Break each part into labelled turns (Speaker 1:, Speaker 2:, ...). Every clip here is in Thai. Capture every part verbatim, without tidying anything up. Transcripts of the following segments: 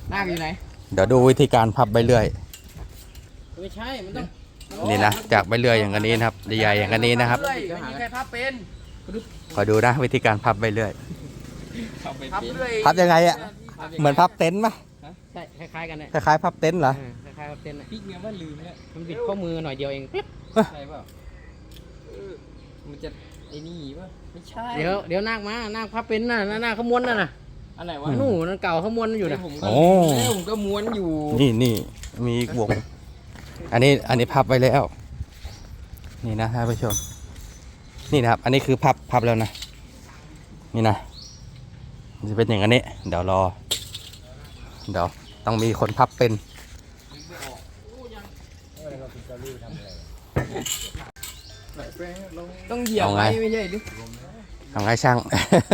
Speaker 1: นาคอยู่ไหน
Speaker 2: เดี๋ยวดูวิธีการพับใบเลื่อย
Speaker 1: ไม่ใช่มันต้อง
Speaker 2: นี่นะจากใบเลื่อยอย่างนี้นะครับใหญ่ๆอย่างนี้นะครับ
Speaker 1: ไม่มีใครพับเป็น
Speaker 2: คอยดูนะวิธีการพับใบเลื่อย
Speaker 1: พับเลื่อย
Speaker 2: พับยังไงอ่ะเหมือนพับเต็นท์ปะ
Speaker 1: ใช่คล้ายๆกันเนี่ย
Speaker 2: คล้ายๆพับเต็นท์เหรอ
Speaker 1: คล้ายๆพับเต็นท์พี่เงี้ยว่าลืมแล้วมันบิดข้อมือหน่อยเดียวเองใช่เปล่ามันจะไอ้นี่ป่ะไม่ใช่เดี๋ยวเดี๋ยวนาคมานาคพับเป็นน่ะนาคขมวนน่ะน่ะอันไหนวะนู่นนั่นเก่าขมวนอยู่นะผมก็ผมก็ม้วนอยู่
Speaker 2: นี่นี่มีวงอันนี้อันนี้พับไว้แล้วนี่นะท่านผู้ชมนี่นะครับอันนี้คือพับพับแล้วนะนี่นะจะเป็นอย่างนี้เดี๋ยวรอเดี๋ยวต้องมีคนพับเป็น
Speaker 1: ต้องเหยียบไว้ไม่ใช่ดิ
Speaker 2: ทำไงช่าง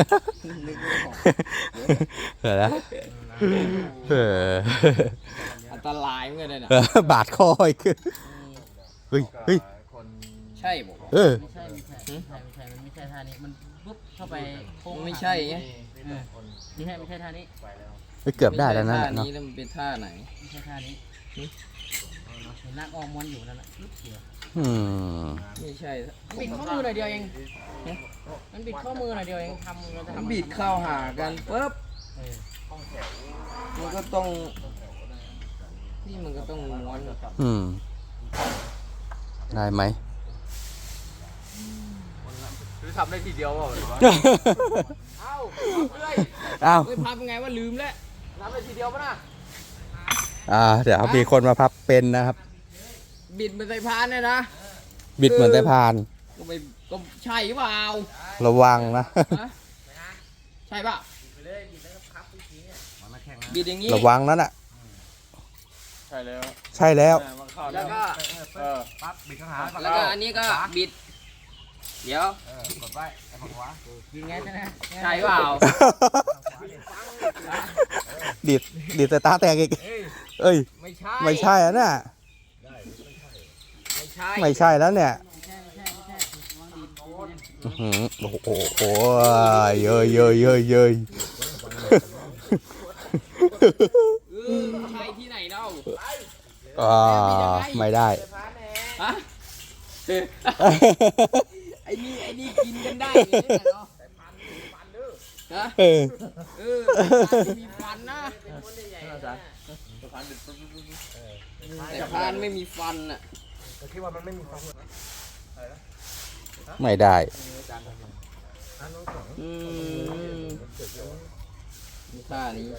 Speaker 2: เออเออ
Speaker 1: อันตรายเหมือนกันนะ
Speaker 2: บาดคออีกเฮ้ยเฮ้ย
Speaker 1: ใช่บอก
Speaker 2: เออ
Speaker 1: ไม่ใช่ไม่ใช่ไม่ใช่ไม่ใช่มันไม่ใช่ท่านี้มันปุ๊บเข้าไปโค้งไม่ใช่ไงไม่ใช่ไม่ใช่ท่านี้
Speaker 2: เกือบได้แล้วนะ
Speaker 1: ท่านี้แล้วมันเป็นท่าไหนไม่ใช่ท่านี้เห็นนักออมม้วนอยู่นั่นแหละ
Speaker 2: อืม
Speaker 1: ไม่ใช่บิดข้อมือหน่อยเดียวเองมันบิดข้อมือหน่อยเดียวเองทำมันจะทำบิดเข้าหากันปุ๊บมันก็ต้องนี่มันก็ต้องม้วน
Speaker 2: อืมได้ไหม
Speaker 1: หรือทำได้ทีเดียวเปล่าเอ้าเลย
Speaker 2: เอ้า
Speaker 1: ไม่พับไงว่าลืมแล้วทำได้ทีเดียวป่ะนะ
Speaker 2: อ่าเดี๋ยวมีคนมาพับเป็นนะครับ
Speaker 1: บิดเหมือนสายพานเนี่ยนะ
Speaker 2: บิดเหมือนสายพาน
Speaker 1: ก็ไปก็ใช่เปล่า
Speaker 2: ระวังนะ
Speaker 1: ใช่ป่ะบิดอย่างนี้
Speaker 2: ระวังนั่นแหละ
Speaker 1: ใช่แล้ว
Speaker 2: ใช่แล้ว
Speaker 1: แล้วก็ปั๊บบิดข้างหาแล้วก็อันนี้ก็บิดเดี๋ยวกดไว้ฝั่งขวาบิดไงใช่ไหมใช่เปล่า
Speaker 2: ดิดดิดแต่ตาแตกอีกเอ้ย
Speaker 1: ไม่ใช่
Speaker 2: ไม่ใช่อ่ะเนี่ย
Speaker 1: ไม่ใช่
Speaker 2: ไม่ใช่แล้วเนี่ยโอ้โหโอ้โหเยอะเยอะเยอะเยอะ
Speaker 1: ใช่ที่ไหนเล่า
Speaker 2: อ่าไม่ได้
Speaker 1: ฮะไอ้นี่ไอ้นี่กินกันได้เนาะนะเออเออมีฟันนะแต่พานไม่มีฟันอ่ะคิดว่ามันไม่มีฟัน
Speaker 2: ไม่ได้
Speaker 1: อืมท่านี้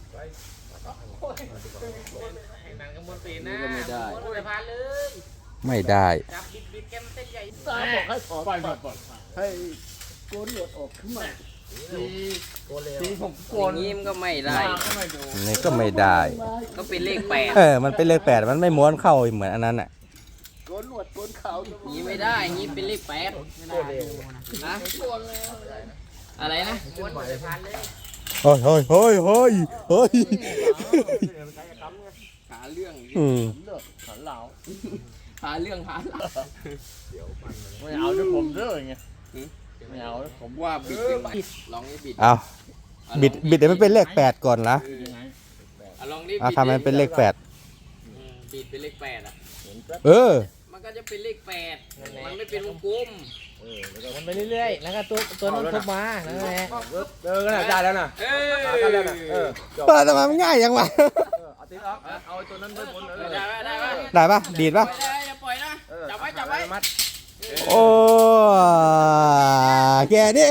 Speaker 1: นี่ก็ไม่ได้
Speaker 2: ไม่ได้
Speaker 1: บอกให้ถอดปล่อยปล่อยให้โกนหนวดออกขึ้นมาทีผมโกนนี้มันก็ไม่ได้
Speaker 2: นี่ก็ไม่ได้
Speaker 1: ก็เป็นเลขแปด
Speaker 2: เออมันเป็นเลขแปดมันไม่ม้วนเข้าเหมือนอันนั้นอ่ะ
Speaker 1: โกนหนวดโกนเขานี้ไม่ได้นี้เป็นเลขแปดนะอะไรนะ
Speaker 2: เฮ้ยเฮ้ยเฮ้ยเฮ้ยเฮ้ย
Speaker 1: หาเรื่อง
Speaker 2: อืม
Speaker 1: หาเหล่าหาเรื่องหาเหล่าไม่เอาด้วยผมเด้อไงไม่เอาผมว่าบิดลองนี่บิด
Speaker 2: เอาบิดบิดเดี๋ยวมันเป็นเลขแปดก่อนนะ
Speaker 1: ลองนี่
Speaker 2: เอาทำมันเป็นเลขแปด
Speaker 1: บิดเป็นเลขแปดอ่ะ
Speaker 2: เออ
Speaker 1: มันก็จะเป็นเลขแปดมันไม่เป็นวงกลมมันไปเรื่อยๆแล้วก็ตัวตัวนั้นทุบมาแล้วไง
Speaker 3: เออก็ได้แล้วนะ
Speaker 1: เออ
Speaker 3: ได้แล้วนะเออ
Speaker 2: เออทำไมมันง่ายยังวะ
Speaker 3: เอาตีล็อกเอาตัวนั้นไปบนเลย
Speaker 1: ได้ได้ป่ะ
Speaker 2: ได้ป่ะดีดป่ะ
Speaker 1: อย่าปล่อยนะจับไว้จับไว้
Speaker 2: โอ้แกนี่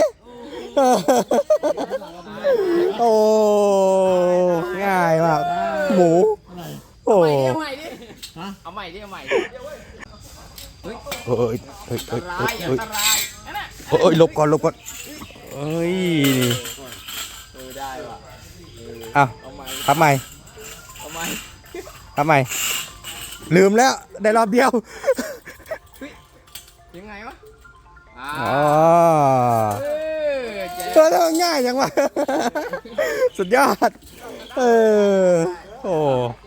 Speaker 2: โอ้ง่ายมากหมูโอ้
Speaker 1: เอาใหม่ดิเอาใหม่ดิเอาใหม่
Speaker 2: เฮ้ยเฮ้ยเฮ้ยเฮ้ยเฮ้ยเฮ้ยเฮ้ยหลบก่อนหลบก่อนเฮ้ย
Speaker 1: เออได้ว่ะ
Speaker 2: อ้าวทำไม
Speaker 1: ทำไม
Speaker 2: ทำไมลืมแล้วได้รอบเดียว
Speaker 1: ยังไงวะ
Speaker 2: อ๋อเออง่ายจังวะสุดยอดเออโอ้